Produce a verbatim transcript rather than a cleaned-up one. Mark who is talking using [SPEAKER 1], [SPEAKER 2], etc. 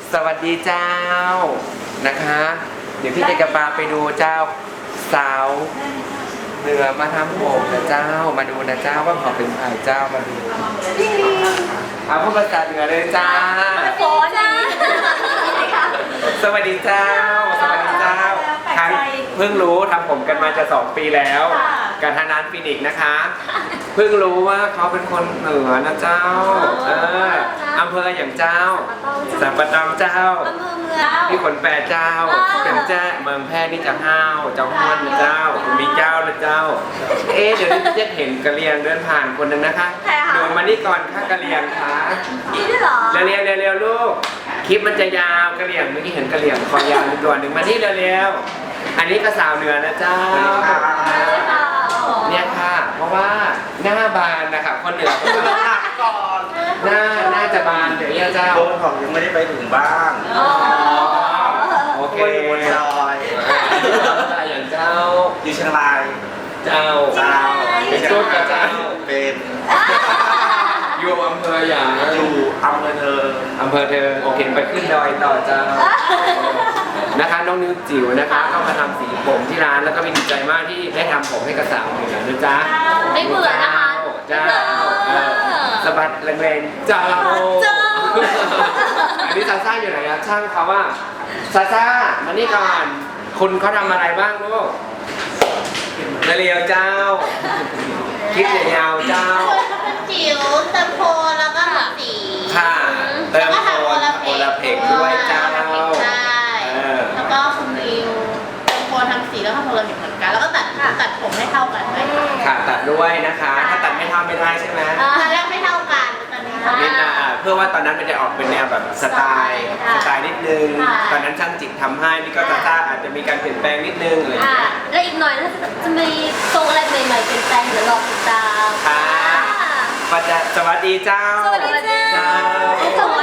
[SPEAKER 1] สวัสดีเจ้านะคะเดี๋ยวพี่จะกระปาไปดูเจ้าสาวเหนือมาทำผมนะเจ้ามาดูนะเจ้าว่าเขาเป็นใครเจ้ามาดูเอาพูดภาษาเหนือเลยจ้า
[SPEAKER 2] โอ้จ้า
[SPEAKER 1] สวัสดีเจ้าสวัสดีเจ้าครั้งเพิ่งรู้ทำผมกันมาจะสองปีแล้วกับทางร้านฟินิกนะคะเพิ่งรู้ว่าเขาเป็นคนเหนือนะเจ้าเอออำเภออย่างเจ้าสัมปะตองเจ้า
[SPEAKER 2] อำเภอเมือง
[SPEAKER 1] พี่ขนแปดเจ้าเป็นเจ้าเมืองแพร่นี่จะห้าวเจ้าห้วนนะเจ้ามีเจ้านะเจ้าเอ๊ะเดี๋ยวนี้จะเห็นกะเหรี่ยงเดินผ่านคนหนึ่งนะคะเดินมานี่ก่อนค่ะกะเหรี่ยงค่ะ
[SPEAKER 2] นี่ด้วยเหรอ
[SPEAKER 1] เร็วๆเร็วๆลูกคลิปมันจะยาวกะเหรี่ยงเมื่อกี้เห็นกะเหรี่ยงคอยาวตัวหนึ่งมานี่เร็วๆอันนี้ก็สาวเหนือนะเจ้าเนี่ยค่ะเพราะว่าหน้าบานนะคะคนเหนือเขาจะ
[SPEAKER 3] หนักก่อน
[SPEAKER 1] หน้าหน้าจะบานเดี๋ยวเนี่ยเจ้า
[SPEAKER 3] โดนของยังไม่ได้ไปถึงบ้าน
[SPEAKER 2] อ๋อ
[SPEAKER 1] โอเค
[SPEAKER 3] บนดอย
[SPEAKER 1] อย่างเจ้า
[SPEAKER 3] อยู่เชียงราย
[SPEAKER 1] เจ้า
[SPEAKER 3] เจ้า
[SPEAKER 1] เป็นชุดกับเจ้า
[SPEAKER 3] เป็น
[SPEAKER 1] อยู่อำเภออย่าง
[SPEAKER 3] อยู่อำเภอเทิง
[SPEAKER 1] อำเภอเทิงโอเคไปขึ้นดอยต่อเจ้านะคะน้องนิ้วจิ๋วนะคะก็มาทำสีผมที่ร้านแล้วก็มีดีใจมากที่ได้ทำผมให้กับสาวเหนือนะจ๊ะ
[SPEAKER 2] ไม่เบื่อนะคะ
[SPEAKER 1] เจ้าเออสะบัดแรงๆเจ้า
[SPEAKER 2] เจ้า
[SPEAKER 1] อันนี้ซาซ่าอยู่ไหนอะช่างเขาว่าซาซ่ามานี่ก่อนคุณเขาทำอะไรบ้างลูกนาเรียวเจ้าคลิปยาวๆเจ้า
[SPEAKER 4] จิ๋วเติมโพลแล้วก็สี
[SPEAKER 1] ค่ะเติมโคนโอลาเพกด้วยเจ้า
[SPEAKER 4] ใช่แล้วก็คุณริวเติมโพลทำสีแล้วก็โพลาเพกเหมือนกัน แล้วก็ตัดตัดผมให้เท่ากันด้วยค่ะ
[SPEAKER 1] ค่ะตัดด้วยนะคะ ถ้าตัดไม่เท่าไม่ได้ใช่ไหม
[SPEAKER 4] ตอนแรกไม่เท่ากันตอนนี้เท่า
[SPEAKER 1] นิด
[SPEAKER 4] กั
[SPEAKER 1] นะ
[SPEAKER 4] น
[SPEAKER 1] เพื่อว่าตอนนั้นมันจะออกเป็นแนวแบบสไตล์สไตล์นิดนึง
[SPEAKER 4] ค่ะ
[SPEAKER 1] ตอนนั้นช่างจิตทำให้นี่ก็ซาซ่าอาจจะมีการเปลี่ยนแปลงนิดนึงอะไรอย่าง
[SPEAKER 2] อ่ะ
[SPEAKER 1] เงี้ย
[SPEAKER 2] แล้วอีกหน่อยแล้วจะมีทรงอะไรใหม่ๆเปลี่ยนแปลงเดี๋ยวรอติดตาม
[SPEAKER 1] ค่ะ ปัจจสวัสดีเจ้า
[SPEAKER 2] สวัสดีเจ้า
[SPEAKER 1] เจ้า